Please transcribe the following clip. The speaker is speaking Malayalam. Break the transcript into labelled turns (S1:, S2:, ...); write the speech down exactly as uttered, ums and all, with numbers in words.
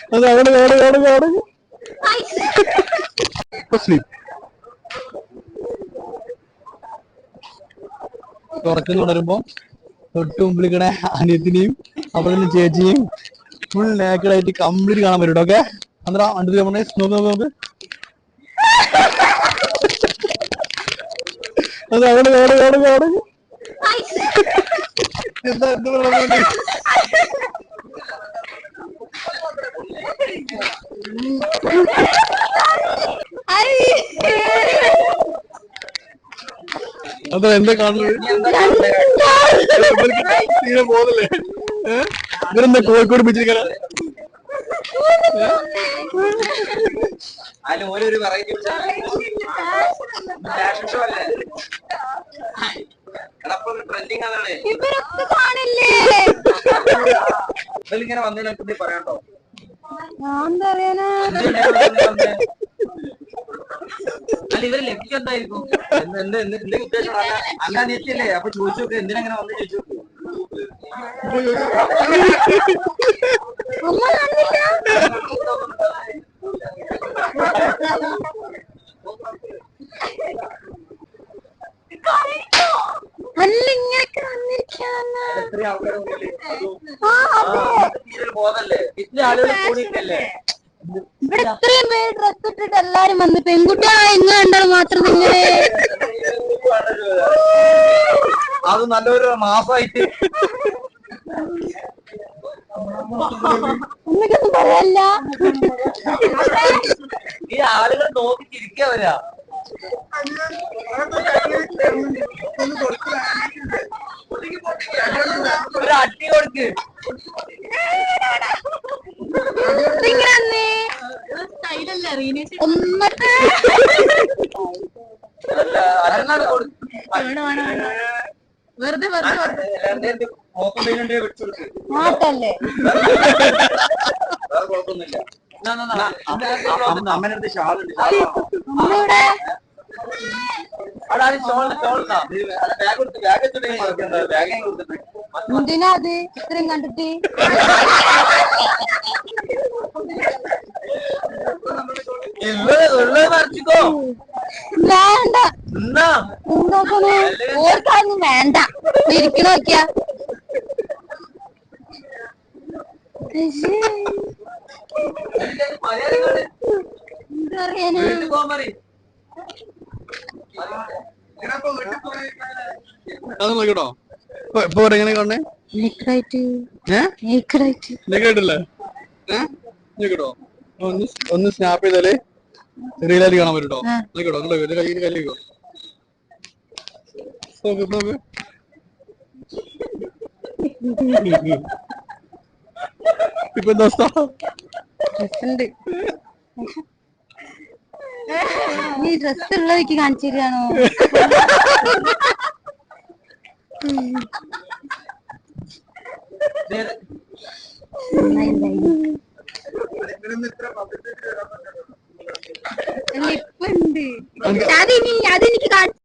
S1: അത് അവിടെ അവിടെ അവിടെ അവിടെ തുറക്കുന്നു തുടരുമ്പോ തൊട്ട് മുമ്പിലിക്കണ അനിയത്തിനെയും അവിടെ ചേച്ചിയും ഫുൾ നേക്കഡായിട്ട് കംപ്ലീറ്റ് കാണാൻ പറ്റും ഓക്കെ. അന്നേരം അണ്ടു പറഞ്ഞേ നോക്ക് നോക്ക് നോക്ക് അത് അവിടെ അവിടെ അവിടെ അവിടെ എന്താ എന്താ പറയുക അതാ എന്താ കാണുന്നത് പോകുന്നില്ലേ ഇവരെന്താ കോഴിക്കോട് ബീച്ചിൽ
S2: ഓരോരു വെറൈറ്റി ട്രെൻഡിങ് അതാണ്. ഇങ്ങനെ വന്നതിനെ പറയാണ്ടോ? അല്ല ഇവര് ലക്ഷ്യം എന്തായിരിക്കും? എന്തെങ്കിലും ഉദ്ദേശം അല്ല നീച്ചല്ലേ? അപ്പൊ ചോദിച്ചു നോക്ക് എന്തിനെങ്ങനെ വന്ന് ചോദിച്ചു നോക്ക്.
S3: അല്ല ഇങ്ങനൊക്കെ
S2: ബോധല്ലേ ഇത്ര ആളുകൾ കൂടിയിട്ടല്ലേ
S3: ഇവിടെ ഇത്രയും പേര് ഡ്രസ് ഇട്ടിട്ട് എല്ലാരും വന്ന് പെൺകുട്ടികളായ ഇങ്ങ കണ്ടാൽ മാത്രം നിങ്ങളെ
S2: അത് നല്ലൊരു മാസമായിട്ട്
S3: ഒന്നും പറയല്ല.
S2: ഈ ആളുകൾ നോക്കി ചിരിക്കാ വരാ. ഒരു അട്ടി കൊടുക്ക്.
S3: വെറുതെ വെറുതെ
S2: മാറ്റല്ലേ കുഴപ്പമൊന്നുമില്ല. അമ്മനടുത്ത് ഷാളുണ്ട്.
S3: എന്തിനാ അത് ഇത്രയും കണ്ടിട്ട്? വേണ്ട എന്താക്കണേ ഓർക്കാന്നും വേണ്ട ഇരിക്കണ നോക്കിയാ എന്താ പറയാനാ
S1: നോക്കട്ടോ ഇപ്പൊ എങ്ങനെ കാണണേ കേട്ടോ ഒന്ന് ഒന്ന് സ്നാപ്പ് ചെയ്താലേ റീലായിട്ട് കാണാൻ പറ്റോ നോക്കട്ടോ നിങ്ങള് കയ്യിൽ കല്ലിക്കോ ഇപ്പൊ എന്താ
S3: നീ ഡ്രസ് ഉള്ളതൊക്കെ കാണിച്ചു തരികയാണോ? ഇപ്പൊ ഉണ്ട് അതെനിക്ക് കാണിച്ചു